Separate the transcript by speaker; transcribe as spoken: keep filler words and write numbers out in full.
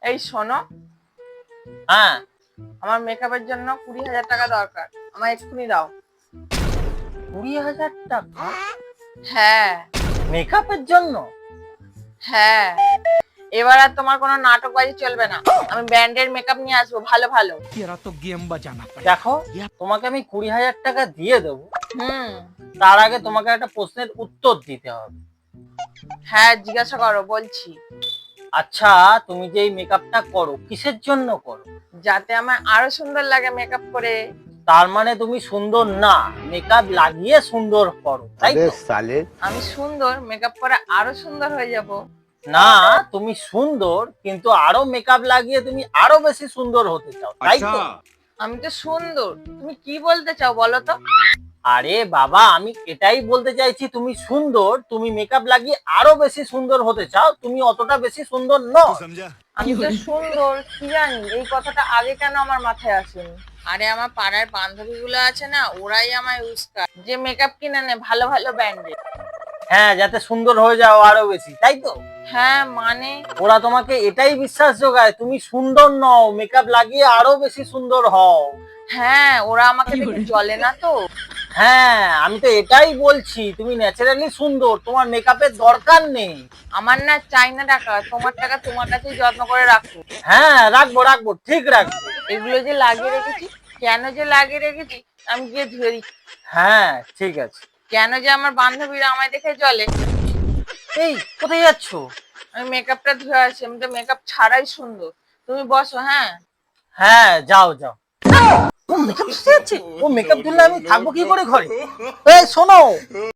Speaker 1: এই শোনো,
Speaker 2: হ্যাঁ
Speaker 1: আমার মেকআপের জন্য কুড়ি হাজার টাকা দরকার, আমার এক্ষুনি দাও।
Speaker 2: কুড়ি হাজার টাকা
Speaker 1: হ্যাঁ
Speaker 2: মেকআপের জন্য?
Speaker 1: হ্যাঁ, এবার আর তোমার কোনো নাটকবাজি চলবে না। আমি ব্র্যান্ডের মেকআপ নিয়ে আসবো, ভালো ভালো।
Speaker 3: तेरा तो गेम बजाना पड़ेगा।
Speaker 2: দেখো, তোমাকে আমি কুড়ি হাজার টাকা দিয়ে দেবো,
Speaker 1: হুম,
Speaker 2: তার আগে তোমাকে একটা প্রশ্নের উত্তর দিতে হবে।
Speaker 1: হ্যাঁ জিজ্ঞাসা করো, বলছি।
Speaker 2: আচ্ছা, তুমি যে এই মেকআপটা করো কিসের জন্য করো?
Speaker 1: যাতে আমার আরো সুন্দর লাগে মেকআপ করে।
Speaker 2: তার মানে তুমি সুন্দর না, মেকআপ লাগিয়ে সুন্দর করো, তাই তো?
Speaker 1: আমি সুন্দর, মেকআপ করে আরো সুন্দর হয়ে যাব।
Speaker 2: না, তুমি সুন্দর কিন্তু আরো মেকআপ লাগিয়ে তুমি আরো বেশি সুন্দর হতে চাও, তাই তো?
Speaker 1: আমি তো সুন্দর, তুমি কি বলতে চাও বলো তো?
Speaker 2: আরে বাবা, আমি এটাই বলতে চাইছি, তুমি সুন্দর, তুমি মেকআপ লাগিয়ে আরো বেশি সুন্দর হতে চাও, তুমি অতটা বেশি সুন্দর নও।
Speaker 1: আমি তো সুন্দর, কি জানি এই কথাটা আগে কেন আমার মাথায় আসেনি। আরে আমার পাড়ার বান্ধবীগুলো আছে না, ওরাই আমায় উস্কায় যে মেকআপ কিনে নে ভালো ভালো ব্র্যান্ডের।
Speaker 2: হ্যাঁ, যাতে সুন্দর হয়ে যাও আরো বেশি, তাই তো?
Speaker 1: হ্যাঁ মানে,
Speaker 2: ওরা তোমাকে এটাই বিশ্বাস যোগায় তুমি সুন্দর নও, মেকআপ লাগিয়ে আরো বেশি সুন্দর হও।
Speaker 1: হ্যাঁ ওরা আমাকে দেখে জ্বলে না তো।
Speaker 2: হ্যাঁ, আমি তো এটাই বলছি, তুমি ন্যাচারালি সুন্দর, তোমার মেকআপের দরকার নেই।
Speaker 1: আমার না চাই না টাকা, তোমার টাকা তোমার কাছেই যত্ন করে রাখো।
Speaker 2: হ্যাঁ, রাখবো রাখবো, ঠিক রাখবো।
Speaker 1: এগুলো যে লাগিয়ে রেখেছি, কেন যে লাগিয়ে রেখেছি আমি গিয়ে ধুয়ে দিচ্ছি।
Speaker 2: হ্যাঁ ঠিক আছে।
Speaker 1: কেন যে আমার বান্ধবীরা আমায় দেখে জ্বলে।
Speaker 2: এই কোথায় যাচ্ছ?
Speaker 1: আমি মেকআপটা ধুয়ে আসি, আমি তো মেকআপ ছাড়াই সুন্দর। তুমি বসো। হ্যাঁ
Speaker 2: হ্যাঁ যাও যাও। ও মেকআপ ধুতে যাচ্ছে? ও মেকআপ ধুলে আমি থাকবো কি করে ঘরে? এই শোনো,